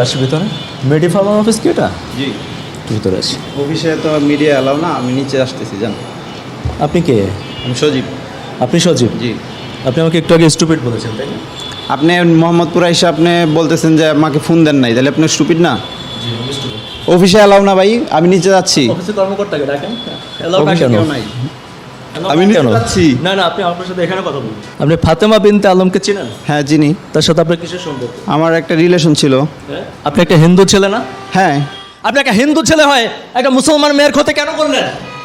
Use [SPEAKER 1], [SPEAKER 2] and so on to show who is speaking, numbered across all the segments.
[SPEAKER 1] আসি ভিতরে। মেডি ফার্মা অফিস কি এটা?
[SPEAKER 2] জি,
[SPEAKER 1] ভিতরে আসি।
[SPEAKER 2] অফিসে তো মিডিয়া এলাও না, আমি নিচে আসতেছি জান।
[SPEAKER 1] আপনি কে?
[SPEAKER 2] আমি সজীব।
[SPEAKER 1] আপনি সজীব?
[SPEAKER 2] জি।
[SPEAKER 1] আপনি আমাকে একটু আগে স্টুপিড বলেছেন, তাই না?
[SPEAKER 2] আপনি মোহাম্মদপুর এসে আপনি বলতেছেন যে আমাকে ফোন দেন নাই, তাহলে আপনি স্টুপিড না?
[SPEAKER 1] জি, আমি স্টুপিড।
[SPEAKER 2] অফিসে এলাও না ভাই, আমি নিচে যাচ্ছি।
[SPEAKER 1] অফিসে কর্মকর্তাকে ডাকেন।
[SPEAKER 2] অফিসে কেউ নাই। আমি নিচে যাচ্ছি।
[SPEAKER 1] না না, আপনি আপনার সাথে এখানে কথা বলুন। আপনি ফাতেমা বিনতে আলমকে চেনেন?
[SPEAKER 2] হ্যাঁ চিনি।
[SPEAKER 1] তার সাথে আপনার কিসের সম্পর্ক?
[SPEAKER 2] আমার একটা রিলেশন ছিল।
[SPEAKER 1] আপনি একটা হিন্দু ছেলে না?
[SPEAKER 2] হ্যাঁ।
[SPEAKER 1] আপনি একটা হিন্দু ছেলে হয় একটা মুসলমান মেয়ের ক্ষতি কেন করলেন?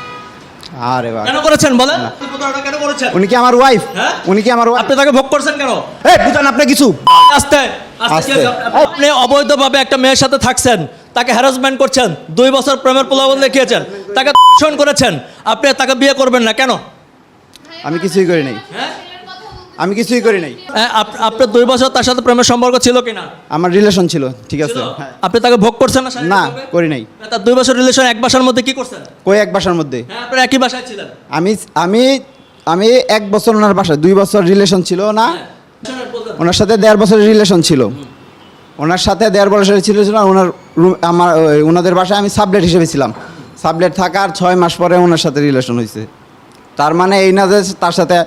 [SPEAKER 2] আরে বাবা,
[SPEAKER 1] কেন করেছেন বলেন? প্রতারণা কেন করেছেন?
[SPEAKER 2] উনি কি আমার ওয়াইফ?
[SPEAKER 1] হ্যাঁ?
[SPEAKER 2] উনি কি আমার ওয়াইফ?
[SPEAKER 1] আপনি তাকে ভোগ করছেন কেন?
[SPEAKER 2] এই বুঝান আপনি কিছু।
[SPEAKER 1] আস্তে আস্তে। আপনি অবৈধভাবে একটা মেয়ের সাথে থাকছেন, তাকে হ্যারাসমেন্ট করছেন, 2 বছর প্রেমের প্রলোভন দেখিয়েছেন, তাকে ধর্ষণ করেছেন, আপনি তাকে বিয়ে করবেন না কেন?
[SPEAKER 2] আমি কিছুই করি নাই। আমি কিছুই করি নাই।
[SPEAKER 1] আপনার 2 বছর তার সাথে প্রেমের সম্পর্ক ছিল কিনা?
[SPEAKER 2] আমার রিলেশন ছিল, ঠিক আছে। হ্যাঁ।
[SPEAKER 1] আপনি তাকে ভোগ করছেন না?
[SPEAKER 2] না, করি নাই।
[SPEAKER 1] তার 2 বছর রিলেশন এক বাসার মধ্যে কি করছেন?
[SPEAKER 2] কই এক বাসার মধ্যে?
[SPEAKER 1] হ্যাঁ, আপনারা একই বাসায় ছিলেন।
[SPEAKER 2] আমি আমি আমি 1 বছর ওনার বাসায়, 2 বছর রিলেশন ছিল না। ওনার সাথে 1.5 বছরের রিলেশন ছিল। ওনার সাথে 1.5 বছরের ছিল না। ওনার রুম আমার ওনাদের বাসায় আমি সাবলেট হিসেবে ছিলাম। সাবলেট থাকার 6 মাস পরে ওনার সাথে রিলেশন হয়েছে। তার মানে এই না যে তার সাথে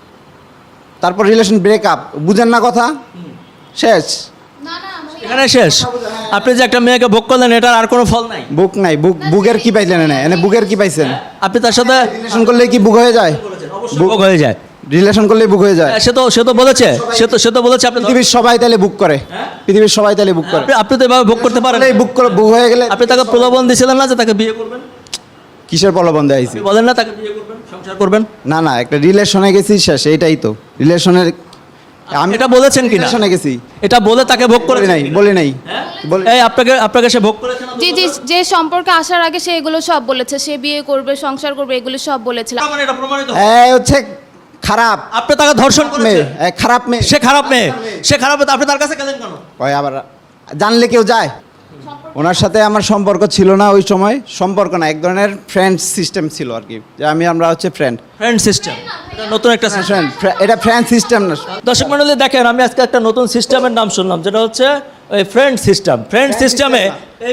[SPEAKER 2] তারপর রিলেশন ব্রেকআপ। বুঝেন না কথা? শেষ।
[SPEAKER 1] এখানে শেষ। আপনি যে একটা মেয়েকে ভোগ করলেন, এটার আর কোনো ফল নাই।
[SPEAKER 2] বুক নাই। বুকের কি পাইলেন? না এনে বুকের কি পাইছেন?
[SPEAKER 1] আপনি তার সাথে
[SPEAKER 2] রিলেশন করলে কি বুক হয়ে যায়?
[SPEAKER 1] ভোগ হয়ে যায়।
[SPEAKER 2] রিলেশন করলে বুক হয়ে যায়।
[SPEAKER 1] সে তো বলেছে, সে তো বলেছে আপনি
[SPEAKER 2] পৃথিবীর সবাই তাহলে বুক করে। পৃথিবীর সবাই তাহলে বুক করে।
[SPEAKER 1] আপনি তো এভাবে ভোগ করতে পারেন।
[SPEAKER 2] বুক হয়ে গেলে
[SPEAKER 1] আপনি তাকে প্রলোভন দিয়েছিলেন না যে তাকে বিয়ে করবেন?
[SPEAKER 2] কিসের প্রলোভন দেয়াইছি?
[SPEAKER 1] আপনি বলেন না তাকে বিয়ে করবেন, সংসার করবেন?
[SPEAKER 2] না না, একটা রিলেশনে গেছি, শেষ। এইটাই তো রিলেশনের। আমি
[SPEAKER 1] এটা বলেছেন কিনা?
[SPEAKER 2] রিলেশনে গেছি।
[SPEAKER 1] এটা বলে তাকে ভোগ করে
[SPEAKER 2] বলি নাই, বলি নাই।
[SPEAKER 1] এই আপনাকে সে ভোগ করেছে না?
[SPEAKER 3] জি জি, যে সম্পর্কে আসার আগে সে এগুলো সব বলেছে, সে বিয়ে করবে, সংসার করবে, এগুলো সব বলেছিল।
[SPEAKER 1] মানে এটা প্রমাণিত।
[SPEAKER 2] এই হচ্ছে খারাপ
[SPEAKER 1] আপনি তাকে ধর্ষণ
[SPEAKER 2] মেয়ে,
[SPEAKER 1] করেছেন।
[SPEAKER 2] খারাপ মেয়ে।
[SPEAKER 1] সে খারাপ মেয়ে, সে খারাপ মেয়ে, আপনি তার কাছে গেলেন কেন?
[SPEAKER 2] ওই আবার জানলে কেউ যায়? ওনার সাথে আমার সম্পর্ক ছিল না ওই সময়। সম্পর্ক না, এক ধরনের ফ্রেন্ড সিস্টেম ছিল আর কি, যে আমরা হচ্ছে ফ্রেন্ড
[SPEAKER 1] সিস্টেম। এটা নতুন একটা সিস্টেম।
[SPEAKER 2] এটা ফ্রেন্ড সিস্টেম না।
[SPEAKER 1] দর্শক মণ্ডলী দেখেন, আমি আজকে একটা নতুন সিস্টেমের নাম শুনলাম, যেটা হচ্ছে ওই ফ্রেন্ড সিস্টেম। ফ্রেন্ড সিস্টেমে